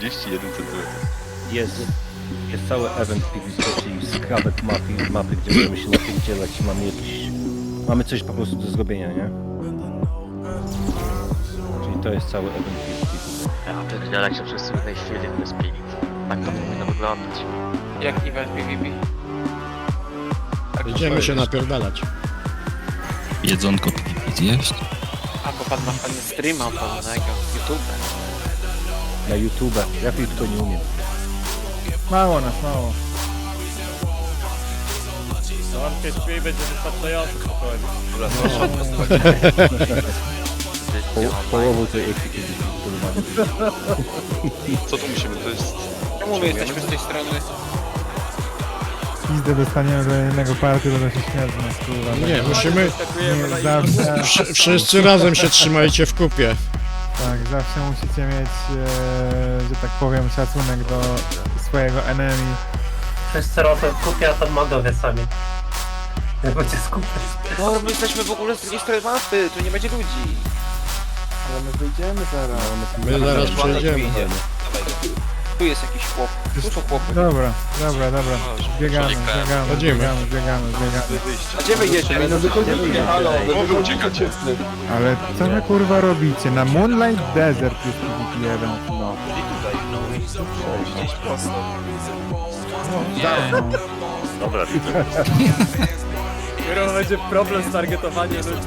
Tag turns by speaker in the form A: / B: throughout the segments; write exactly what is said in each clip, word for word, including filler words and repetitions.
A: trzydzieści jeden centymetrów.
B: Jest, jest cały event P V P, czyli skrawek mapy, mapy, gdzie możemy się napierdzielać, mamy jakiś... Mamy coś po prostu do zrobienia, nie? Czyli to jest cały event P V P.
C: Ja pierdzielę, jak się wszyscy w jednej chwili wyspili. Tak to powinno wyglądać.
D: Jak event P V P? Tak,
E: Idziemy się napierdalać.
F: Jedzonko P V P zjeść?
D: A bo pan ma pan streama pełnego, YouTube.
B: Na YouTube. Ja tylko nie umiem.
G: Mało nas, mało.
H: No on się śpi i będzie wystarczający spokojnie.
A: Dobra,
B: Po, połową tej ekipy mamy.
A: co tu musimy? To jest...
D: Czemu my jesteśmy z tej strony?
G: Pizdę dostaniemy do innego party, będą się śmiać z nas, kurwa.
E: Nie, musimy...
G: Nie, zawsze,
E: Wsz wszyscy razem się trzymajcie w kupie.
G: tak, zawsze musicie mieć, e, że tak powiem, szacunek do swojego enemy.
I: Wszyscy robią kupię, a tam magowie sami. Jak będzie skupiać.
D: No my jesteśmy w ogóle z drugiej strony mapy, tu nie będzie ludzi.
G: Ale my wyjdziemy zaraz.
E: My zaraz przejdziemy.
D: Tu jest jakiś chłop. Tu są chłopy.
G: Dobra, dobra, dobra. Biegamy, biegamy,
E: Chodzimy.
G: biegamy, biegamy, biegamy.
D: A gdzie wyjdziecie? No wychodzimy, halo.
A: O, wy uciekacie.
G: Ale co wy kurwa robicie? Na Moonlight Desert jest P V P jeden. No. No.
A: Dobra, widzę.
H: Dopiero będzie problem z targetowaniem ludzi.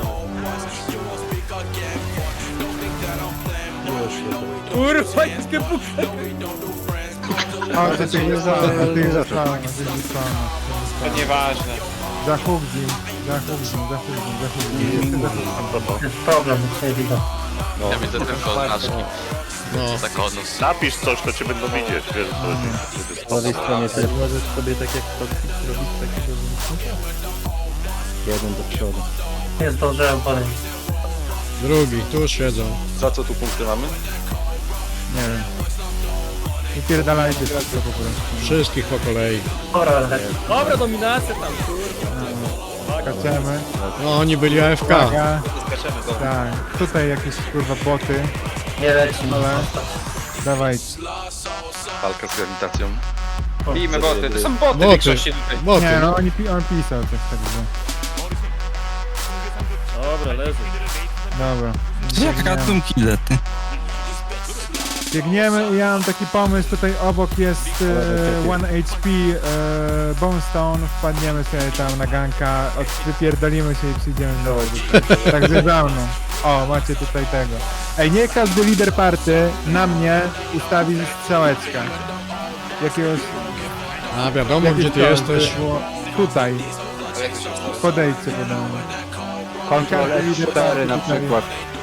H: Kurwa, jakie puka!
G: O, to tych jest za to tych zostało, to tych zostało.
D: To nieważne.
G: Za Hugzim, za Hugzim, za Hugzim, za Hugzim. Jeszcze za Hugzim.
I: Jest problem, dzisiaj widać.
A: Ja widzę tylko znaczki.
E: No.
A: Zakonów.
J: Napisz coś, to cię będą widzieć, wiesz, to
B: Po lewej stronie też możesz sobie tak jak to robić takiego wyniku. Jeden do przodu.
I: Nie zdążyłem podejść.
E: Drugi, tu siedzą.
A: Za co tu punkty mamy?
G: Nie wiem. Wypierdalajcie wszystko po prostu.
E: Wszystkich po kolei.
I: Dobra, ale
H: Dobra, dominacja tam, kurwa.
G: Skaczemy.
E: No, oni byli A F K.
G: Uwaga. Tak, tutaj jakieś kurwa boty,
I: nie leci.
G: ale dawajcie.
A: Walka z grawitacją.
D: Bijmy boty. To są boty,
E: Boty.
D: większości tutaj.
E: Boty.
G: Nie no, oni, pi- on pisał coś takiego.
H: Dobra, leży.
G: Dobra.
F: Jak ratunki lety?
G: Biegniemy i ja mam taki pomysł, tutaj obok jest e, one H P e, Bone Stone, wpadniemy sobie tam na ganka, od, wypierdolimy się i przyjdziemy znowu. Także za mną. O, macie tutaj tego. Ej, nie każdy lider party na mnie ustawi strzałeczkę. Jakiegoś...
E: A wiadomo, gdzie ty
G: jakiegoś
E: jesteś.
G: było- Tutaj. Podejdźcie do mnie.
B: Kontrol
G: Każdy lider
B: F cztery na
G: party
B: przykład.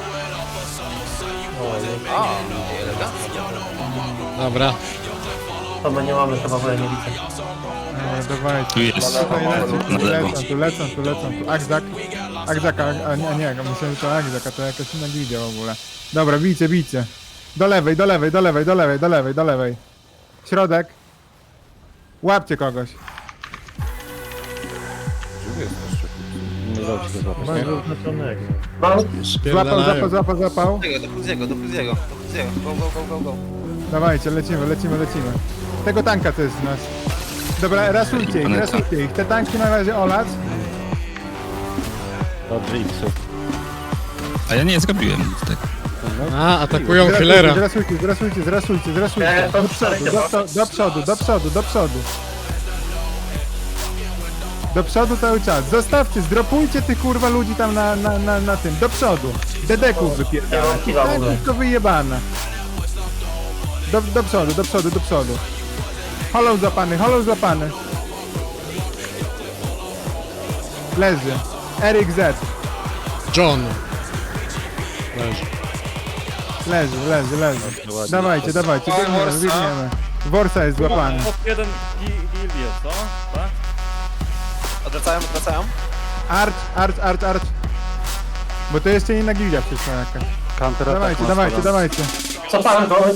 E: Dobra.
I: To my nie mamy chyba, bo ja nie widzę.
G: No, dawajcie.
F: Tu jest.
G: Tutaj lecą,
F: Na
G: tu
F: lewo.
G: lecą, tu lecą, tu lecą, tu Akzak. Akzak, a, a nie, a nie, myślałem, że to Akzak, a to jakaś inna gildia w ogóle. Dobra, bijcie, bijcie. Do lewej, do lewej, do lewej, do lewej, do lewej, do lewej. Środek. Łapcie kogoś.
B: Nie udało ci się złapać,
G: Mam
B: nie?
G: zaznaczonego.
I: Mam.
G: Złapał,
E: Spierdalają.
G: złapał, złapał, złapał.
D: Do Pluziego, do Pluziego, do Pluziego. Go, go, go, go, go.
G: Dawajcie, lecimy, lecimy, lecimy. Tego tanka to jest u nas. Dobra, rasujcie ich, rasujcie ich. Te tanki na razie olać.
B: Dobrze, X-ów.
F: A ja nie zrobiłem nic tak.
E: A, atakują healera.
G: Zrasujcie, zrasujcie, zrasujcie, zrasujcie.
I: Ja to
G: Do przodu, do, przodu, do przodu, do przodu, do przodu. Do przodu cały czas. Zostawcie, zdropujcie tych kurwa ludzi tam na, na, na, na tym. Do przodu. Dedeków wypierdala.
I: Ja mam
G: Tak, wszystko wyjebane. Do, do przodu, do przodu, do przodu. Hollow złapany, hollow złapany. Leży. Erik Z.
E: John. Leży.
G: Leży, leży, leży.
B: Ładnie.
G: Dawajcie, dawajcie, biegniemy,
D: Worsa.
G: biegniemy. Worsa jest złapany.
H: Pod jeden gildię, co? Tak?
D: Odwracają, odwracają.
G: Arch, arch, arch, arch. Bo to jeszcze inna gildia przyszła jakaś. Dawajcie, dawajcie, dawajcie.
I: Co pan go?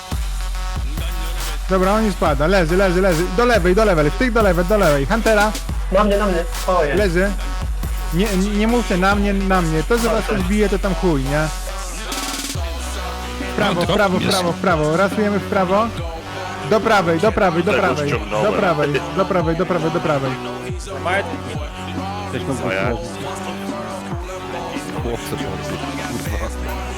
G: Dobra, on już pada. Leży, leży, leży. Do lewej, do lewej. W tych do lewej, do lewej. Huntera.
I: Na mnie, na mnie. O, jest.
G: Leży. Nie, nie, nie mówcie na mnie, na mnie. To, że was ktoś bije, to tam chuj, nie? prawo,
F: No,
G: w prawo, w
F: jest.
G: prawo, w prawo. Rasujemy w prawo. Do prawej, do prawej, do
J: Tego
G: prawej.
J: ściągnąłem.
G: Do prawej, do prawej, do prawej, do prawej.
H: Majet,
B: Ktoś mógł
J: A ja?
B: chłopcy kurwa.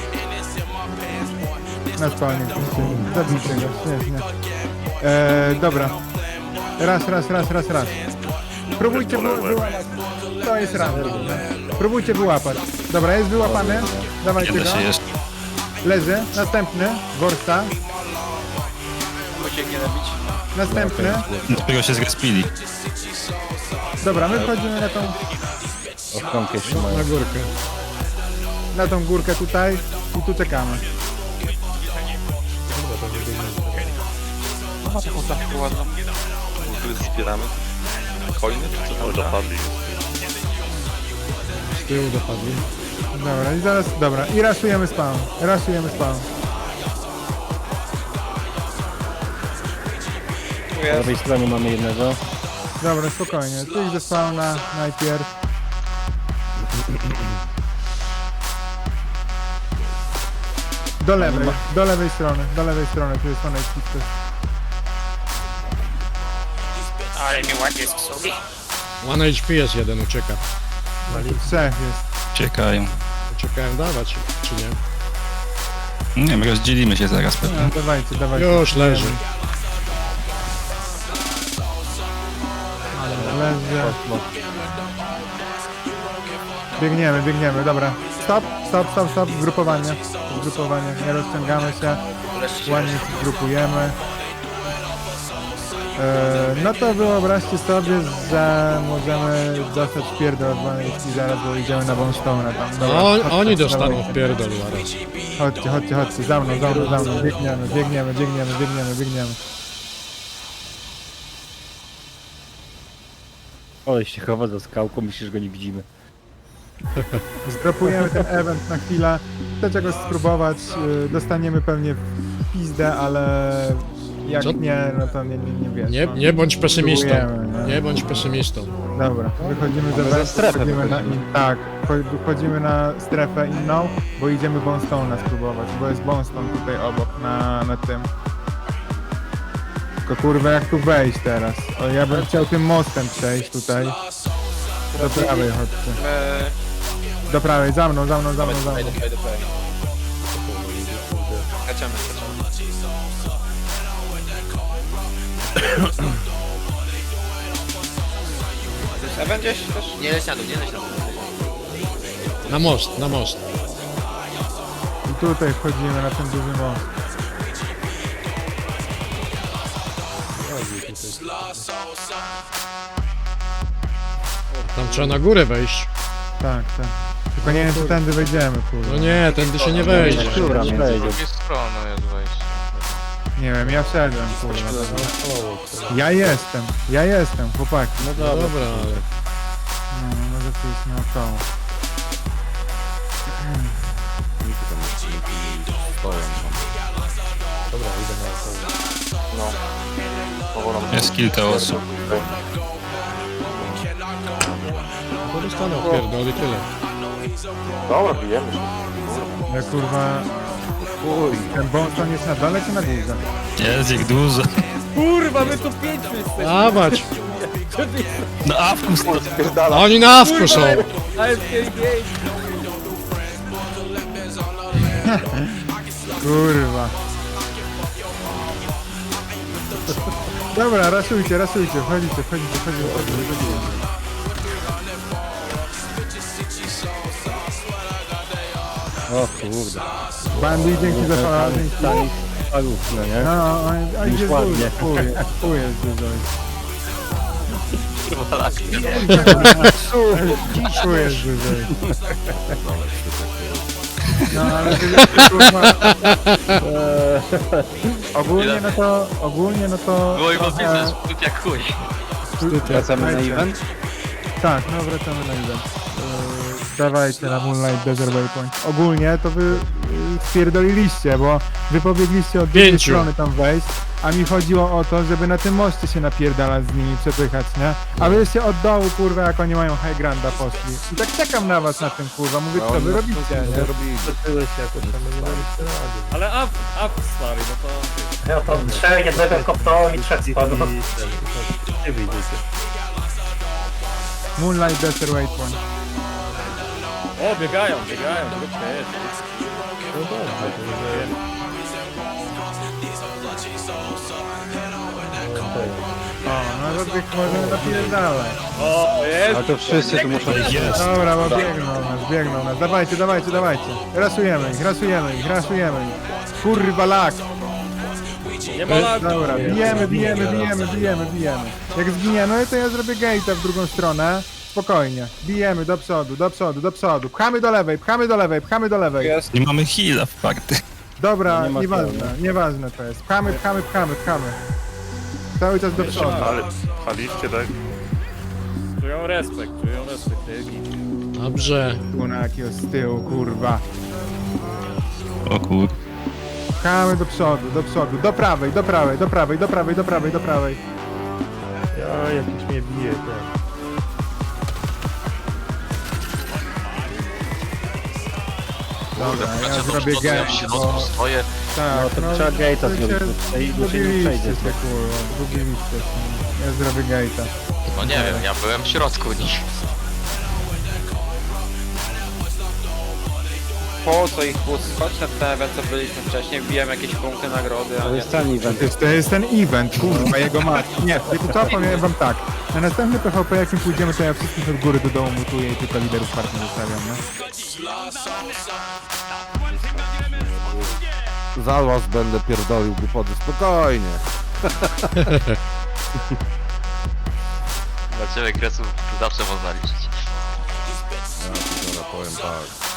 G: Na spalnie. Zabijcie go, świetnie. Eee, dobra. Raz, raz, raz, raz, raz. Próbujcie wy, wyłapać. To jest raz. Próbujcie wyłapać. Dobra, jest wyłapany. Dawajcie
F: Kiedy
G: go.
F: się jeszcze...
G: Leży. Następny. Worsta.
H: ucieknie nabić.
G: Następny.
F: Dopiero się zrespili.
G: Dobra, my wchodzimy na tą,
B: Ochronkę jeszcze mają.
E: Na górkę.
G: na tą górkę tutaj i tu czekamy.
A: Ma taką tafkę ładną. Tu zbieramy. Coiny czy co
J: No,
A: to
J: dopadli.
E: Z tyłu dopadli.
G: Dobra, i zaraz, dobra, i raszujemy spawn. Raszujemy spawn.
B: Po lewej stronie mamy jednego.
G: Dobra, spokojnie. Tu idź do spawna najpierw. Do lewej, do lewej strony, do lewej strony, tu jest one też.
D: Ale mi ładnie z sobie.
E: One H P jest jeden, ucieka.
G: Trzech jest.
F: Czekają.
E: Uciekałem dawać, czy nie?
F: Nie wiem, rozdzielimy się zaraz pewnie.
G: No, dawajcie, dawajcie.
E: Już leży.
G: Leży. Biegniemy, biegniemy, dobra. Stop, stop, stop, stop, zgrupowanie. Zgrupowanie, nie rozciągamy się. Ładnie się zgrupujemy. Eee, no to wyobraźcie sobie, że możemy dostać pierdol od Vanity zaraz, bo idziemy na Bonestone tam. Dobra,
E: No, on,
G: chodźcie,
E: oni dostaną
G: dawajcie.
E: w pierdol zaraz.
G: Chodźcie, chodźcie, chodźcie, za mną, za mną, za mną, biegniemy, biegniemy, biegniemy, biegniemy, biegniemy.
B: Koleś się chowa za skałką, myślisz, że go nie widzimy.
G: Zdropujemy ten event na chwilę, chcę czegoś spróbować, yy, dostaniemy pewnie w pizdę, ale jak
E: Co?
G: nie, no to nie, nie, nie wiesz.
E: Nie,
G: no.
E: nie bądź pesymistą.
G: Spróbujemy, no.
E: Nie bądź pesymistą.
G: Dobra, wychodzimy z eventu,
B: strefę
G: wchodzimy na
B: wychodzimy.
G: in, tak, wcho- wychodzimy na strefę inną, bo idziemy Bonestone'a spróbować, bo jest Bonestone tutaj obok, na, na tym. Tylko kurwa, jak tu wejść teraz? O, ja bym chciał tym mostem przejść tutaj. Do prawej chodźcie.
H: Eee,
G: Do prawej, za mną, za mną, za mną, za mną.
H: Dawaj, dawaj, dawaj. Kaciamy, kaciamy. To jest event gdzieś też?
C: Nie leć na dół, nie leć na dół.
E: Na most, na most.
G: I tutaj wchodzimy na ten duży most.
E: Tam trzeba na górę wejść.
G: Tak, tak. Tylko nie wiem, czy tędy wejdziemy, kurwa.
E: No nie, tędy się nie wejdzie.
B: Dobra,
A: Z
B: wejdzie.
A: drugiej strony jest wejście.
G: Nie wiem, ja wszedłem, kurwa. Ja jestem, ja jestem, chłopaki.
E: No dobra, ale...
G: No, może tu jest naokoło.
F: Jest kilka osób.
E: To dostaną w pierdol i tyle.
G: Ja kurwa... Uj, ten Bonestone jest na dole czy na górze?
F: Jest ich dużo.
H: Kurwa, my tu pięciu jesteśmy.
E: Dawać!
F: No awkus to
E: Oni na awku są!
H: Ale pięknie.
G: Kurwa. Dobra, rasujcie, rasujcie, wchodzicie, wchodzicie, wchodzicie, wchodzicie.
B: O kurde.
G: Bandy, dzięki za follow, dzięki.
B: Stali palów, no nie?
G: No, no, on, on
B: Już
G: jest
B: ładnie.
G: dużo, chuj, chuj jest dużo. Chuj jest dużo. No, ale ty, kurwa, ogólnie no to, ogólnie no to...
C: Było i
G: trochę-
C: biznes, tu jak chuj.
B: Wracamy na event?
G: Tak, no wracamy na event. Yy, dawajcie na Moonlight Desert Waypoint. Ogólnie to wy spierdoliliście, bo wy pobiegliście od drugiej
E: Pięciu.
G: strony tam wejść, a mi chodziło o to, żeby na tym moście się napierdalać z nimi, przepychać, nie? A wyście od dołu, kurwa, jak oni mają high granda poszli. I tak czekam na was na tym, kurwa, mówię, co wy robicie, nie?
H: Ale up, up stary, no to...
I: Ja to trzech, jednego kopnąłem i trzech spadło.
G: Moonlight Desert Wait One.
H: O, biegają, biegają, grupka jest.
G: O, no to tych możemy napierdalać.
H: O, jest!
B: Ale to wszyscy tu muszą być.
G: Dobra, bo biegną nas, biegną nas. Dawajcie, dawajcie, dawajcie. Rasujemy ich, rasujemy ich, rasujemy ich. Kurwa lak.
H: Nie ma lagu.
G: Dobra, bijemy, bijemy, bijemy, bijemy, bijemy. Jak zginiemy, to ja zrobię gate'a w drugą stronę. Spokojnie. Bijemy do przodu, do przodu, do przodu. Pchamy do lewej, pchamy do lewej, pchamy do lewej.
A: Jest.
F: Nie mamy heala w party.
G: Dobra,
B: Nie ma
G: nieważne,
B: sprawy.
G: nieważne to jest. Pchamy, pchamy, pchamy, pchamy. Cały czas do przodu.
J: Ale pchaliście, tak?
H: Czują respekt, czują respekt. jest git.
E: Dobrze.
G: Kurwa, jakiego z tyłu, kurwa.
F: O kur...
G: Pchamy do przodu, do przodu, do prawej, do prawej, do prawej, do prawej, do prawej, do prawej.
J: Ja jakiś mnie bije, tak.
G: Dobra, ja
C: Znaczy,
G: zrobię
C: to, co ja w
G: gate,
C: środku
G: bo...
C: stoję,
G: Tak,
B: No to trzeba gate'a zrobić, bo tutaj dłużej nie
G: Zgubiliście
B: przejdzie.
G: się, kurwa, zgubiliście się. Ja zrobię gate'a.
C: no nie wiem, ja byłem w środku nich.
A: Po co ich puszczać na ten event, co byliśmy wcześniej, wbijam jakieś punkty nagrody, a
B: To
A: nie...
B: jest ten
G: To
B: event.
G: jest, to jest ten event, kurwa, jego matki. Nie, wiecie co, powiem wam tak. Na następny P V P, jak my pójdziemy, to ja wszystkich od góry do dołu mutuję i tylko liderów partii zostawiam, no.
K: Za was będę pierdolił głupoty, spokojnie.
C: Dla ciebie kresów zawsze można liczyć.
K: Ja tu zaraz powiem tak.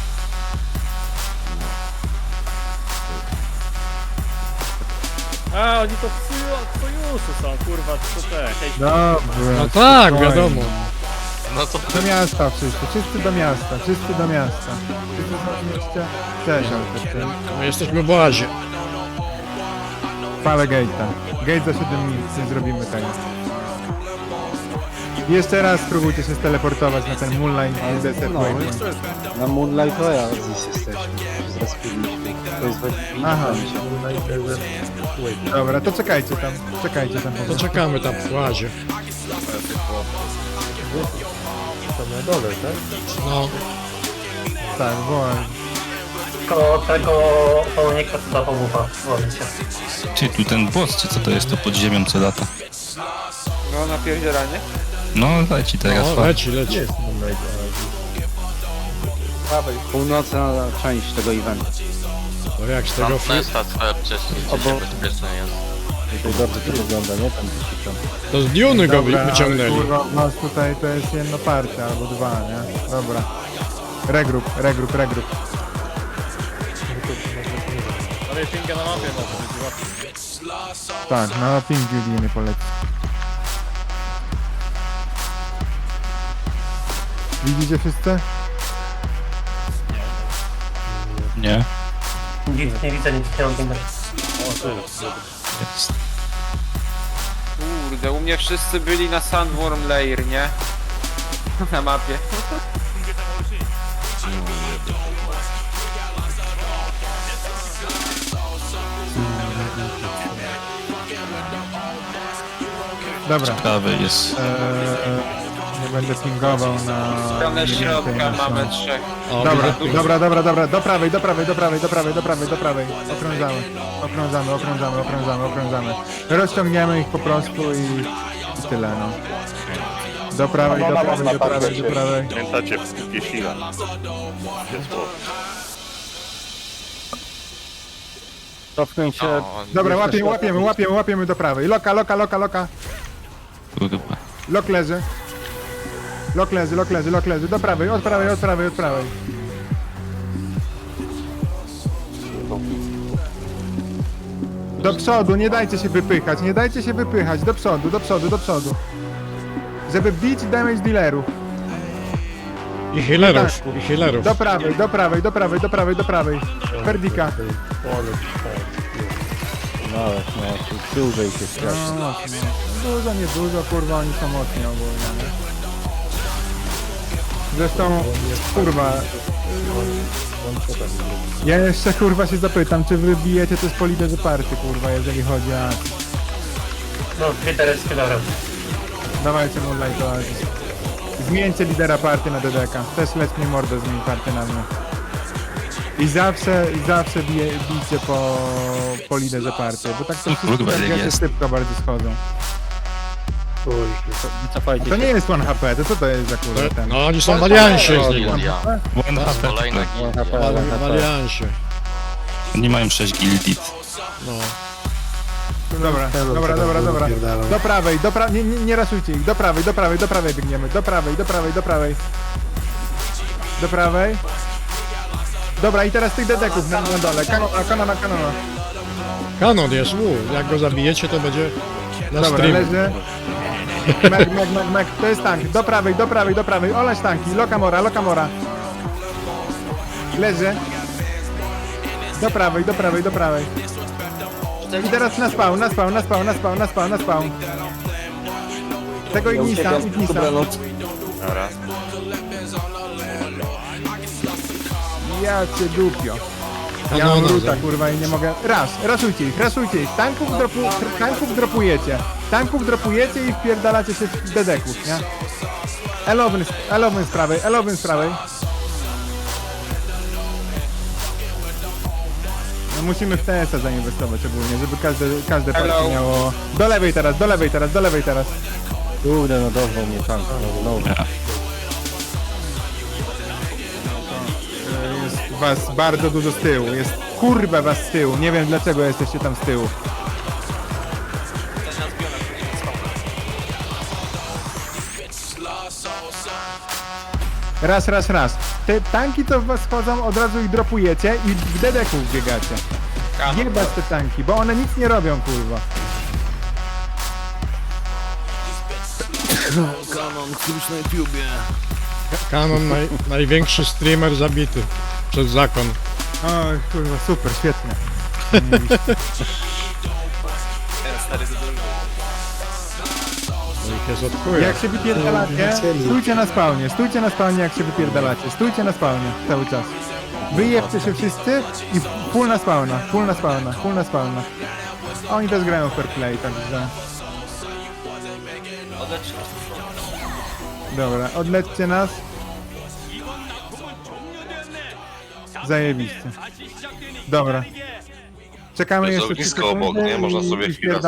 H: A, oni to w soju- w sojuszu są, kurwa, co te, hej.
G: Dobra.
E: No tak,
G: spokojnie.
E: wiadomo.
C: No to
G: Do miasta wszyscy, wszyscy do miasta, wszyscy do miasta. Wszyscy do miasta. Cześć, Alfred.
E: My jesteśmy w bazie.
G: Palę gate'a. Gate za siedem minut, nie zrobimy tego. Jeszcze raz spróbujcie się steleportować na ten Moonlight Desert
B: No,
G: Waypoint.
B: na Moonlight Oasis jesteśmy. Zrespiliśmy. To jest we
G: Aha. Dobra, to czekajcie tam, czekajcie tam. po
E: To
G: prostu.
E: czekamy tam w bazie. No,
G: Tak, wołaj.
I: Koło tego pełnika co da pobucha, złożyć się.
F: Czy tu ten boss, czy co to jest to pod ziemią co lata?
A: No, napierdzielanie?
F: No leci teraz.
E: no
F: fakt.
E: leci, leci.
B: Północna część tego eventu.
E: To jak z tego
C: tam
E: fi-
C: Nesta swoje wcześniej, gdzie się bezpieczne jest.
B: Tutaj dobrze to wygląda, nie? Tam gdzieś tam.
E: To z Duny go
G: Dobra, ale
E: wyciągnęli.
G: kurwa, u nas tutaj to jest jedno parcie, albo dwa, nie? Dobra. Regroup, regroup, regroup.
H: Ale pinga na mapie może być łatwiej.
G: Tak, na ping Juliany poleci. Widzicie wszyscy?
F: Nie?
I: Nic nie widzę, nic nie mam pinga.
F: Jest.
A: Kurde, u mnie wszyscy byli na Sandworm Lair, nie? Na mapie.
G: Dobra.
F: Prawy jest.
G: Eee, nie będę pingował na...
A: Stronę
G: mniej
A: środka
G: więcej na
A: mamy
G: są.
A: trzech.
E: O,
G: Dobra,
E: widzę.
G: dobra, dobra, dobra, do prawej, do prawej, do prawej, do prawej, do prawej, do prawej, okrążamy, okrążamy, okrążamy, okrążamy, okrążamy. Rozciągniemy ich po prostu i tyle, no. Do prawej, do prawej, do prawej, do prawej.
J: Pamiętacie, w kupie sila. Jest słowo.
B: Cofnąć się.
C: O,
G: Dobra,
B: Jeszcze
G: łapiemy,
B: środka.
G: łapiemy, łapiemy, łapiemy do prawej. Loka, loka, loka, loka.
F: Kurwa.
G: Lok leży. Lok leży, lok leży, lok leży. Do prawej, od prawej, od prawej, od prawej. Do przodu, nie dajcie się wypychać, nie dajcie się wypychać. Do przodu, do przodu, do przodu. Żeby bić damage dealerów.
E: I healerów, i healerów.
G: Do prawej, do prawej, do prawej, do prawej, do prawej. Perdika.
B: No, no, dłużej się
G: No,
B: strasznie.
G: mocno. Dużo, nie dużo, kurwa, oni są mocni ogólnie. nie? Zresztą, kurwa, ja jeszcze kurwa się zapytam, czy wy bijecie też po liderze party, kurwa, jeżeli chodzi o...
I: No, Twitter jest killerem.
G: Dawajcie Moonlight Oasis. Zmieńcie lidera party na D D K. Też leć mnie mordę zmień party na mnie. I zawsze, i zawsze bije, bijcie po, po liderze party, bo tak to
F: O kurwa,
G: wszystkie
F: ile
G: targety
F: jest.
G: szybko bardzo schodzą.
B: Wycofajcie
G: To
B: się.
G: nie jest one H P, to co to jest za kurwa ten?
E: No oni są w aliansie z nimi.
C: Gildia.
F: One H P.
C: Kolejna gildia.
E: W aliansie.
F: Oni mają sześć gildii.
E: No.
G: Dobra, dobra, dobra, dobra. Do prawej, do pra... nie, nie, nie rasujcie ich. Do prawej, do prawej, do prawej biegniemy. Do prawej, do prawej, do prawej. Do prawej. Dobra, i teraz tych dedeków na, na dole. Kanona, kanona, kanona.
E: Kanon jest, u, jak go zabijecie to będzie na
G: Dobra,
E: streamie.
G: leży. Mek, mek, mek, mek. To jest tank. Do prawej, do prawej, do prawej. Olać tanki. Lokamora, lokamora. Leży. Do prawej, do prawej, do prawej. I teraz na spawn, na spawn, na spawn, na spawn, na spawn, na spawn. Tego Ignisa, Ignisa.
A: Dobra.
G: Ja cię dupio. Ja mam
E: Kanona,
G: ruta,
E: za-
G: kurwa, i nie mogę... Raz, rasujcie ich, rasujcie ich. Tanków, dropu... Tanków dropujecie. Tanków dropujecie i wpierdalacie się w dedeków, nie? Elowyn, Elowyn z prawej, Elowyn z prawej. No musimy w T S a zainwestować ogólnie, żeby każde, każde partie miało... Do lewej teraz, do lewej teraz, do lewej teraz.
B: Kurde, no dozwał mnie tank. No, no.
G: Jest was bardzo dużo z tyłu, jest kurwa was z tyłu, nie wiem dlaczego jesteście tam z tyłu. Raz, raz, raz. Te tanki co w was wchodzą, od razu ich dropujecie i w dedeków biegacie. Jebać te tanki, bo one nic nie robią, kurwa.
E: Kanon naj, największy streamer zabity przez zakon.
G: Oj, kurwa, super, świetnie.
E: No ich jest od chuja.
G: Jak się wypierdalacie, stójcie na spawnie, stójcie na spawnie jak się wypierdalacie, stójcie na spawnie cały czas. Wyjebcie się wszyscy i full na spawna, full na spawna, full na spawna. A oni też grają fair play, także... Dobra, odlećcie nas. Zajebiście. Dobra. Czekamy
J: To jest
G: jeszcze trzy
J: ognisko obok,
G: sekundy
J: nie? Można
G: i-
J: sobie
G: i
J: chwilę
G: wpierdalamy.